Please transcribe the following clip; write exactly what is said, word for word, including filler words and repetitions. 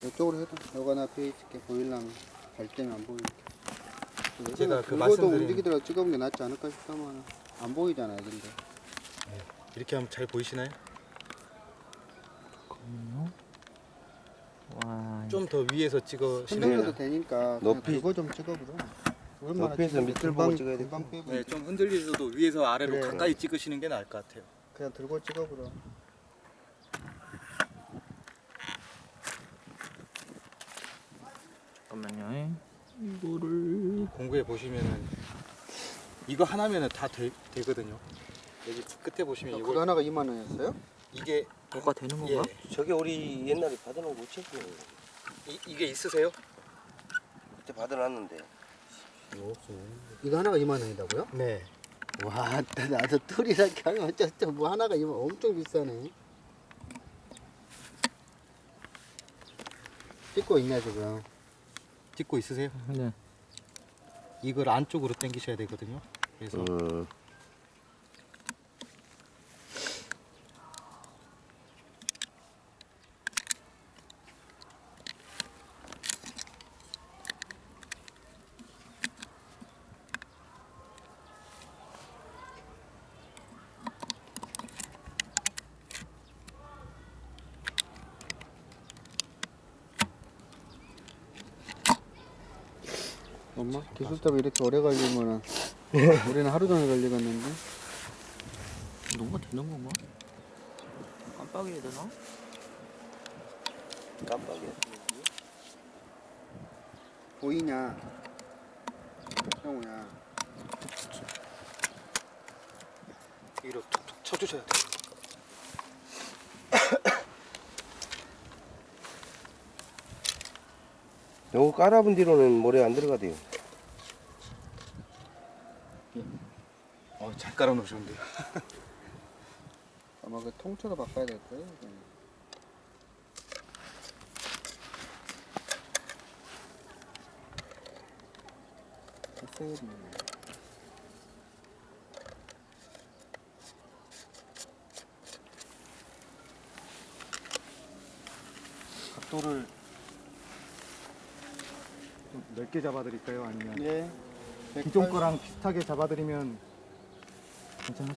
이쪽으로 해도 너가 나 앞에 있을게. 보이려면 갈 때는 안 보이게. 제가 그 들고도 말씀드린 움직이더라도 찍어본 게 낫지 않을까 싶다만 안 보이잖아요 근데. 이렇게 하면 잘 보이시나요? 와, 좀 더 위에서 찍으시면 흔들려도 되니까 그냥 높이- 들고 좀 찍어보자. 얼마나 높이에서 찍는데 밑을 금방- 보고 찍어야 돼. 금방 빼고 네, 좀 흔들리셔도 위에서 아래로 그래. 가까이 찍으시는 게 나을 것 같아요. 그냥 들고 찍어보자. 잠깐만요. 이거를 공구에 보시면은 이거 하나면은 다 되, 되거든요. 여기 끝에 보시면 그거 이거 하나가 이만 원이었어요? 이게 뭐가 되는 예, 건가? 저게 우리 옛날에 받아놓은 거 없지? 이, 이게 있으세요? 그때 받아놨는데. 이거 하나가 이만 원이라고요? 네. 와, 나도 툴이라게 하면 어쩌죠. 뭐 하나가 이만 엄청 비싸네. 찍고 있네 지금. 찍고 있으세요? 네. 이걸 안쪽으로 당기셔야 되거든요. 그래서 음. 엄마 기술 때문에 이렇게 오래 걸리면은 우리는 하루 종일 걸리겠는데. 뭐가 되는 건가? 깜빡이야 되나? 깜빡이야. 보이냐? 형우야. 위로 툭툭 쳐주셔야 돼요. 요거 깔아본 뒤로는 모래 안 들어가대요. 어, 잘 깔아 놓으셨는데요. 아마 그 통째로 바꿔야 될 거예요. 이거는. 세일이네. 각도를 좀 넓게 잡아드릴까요? 아니면 예. 기존 거랑 비슷하게 잡아드리면 괜찮을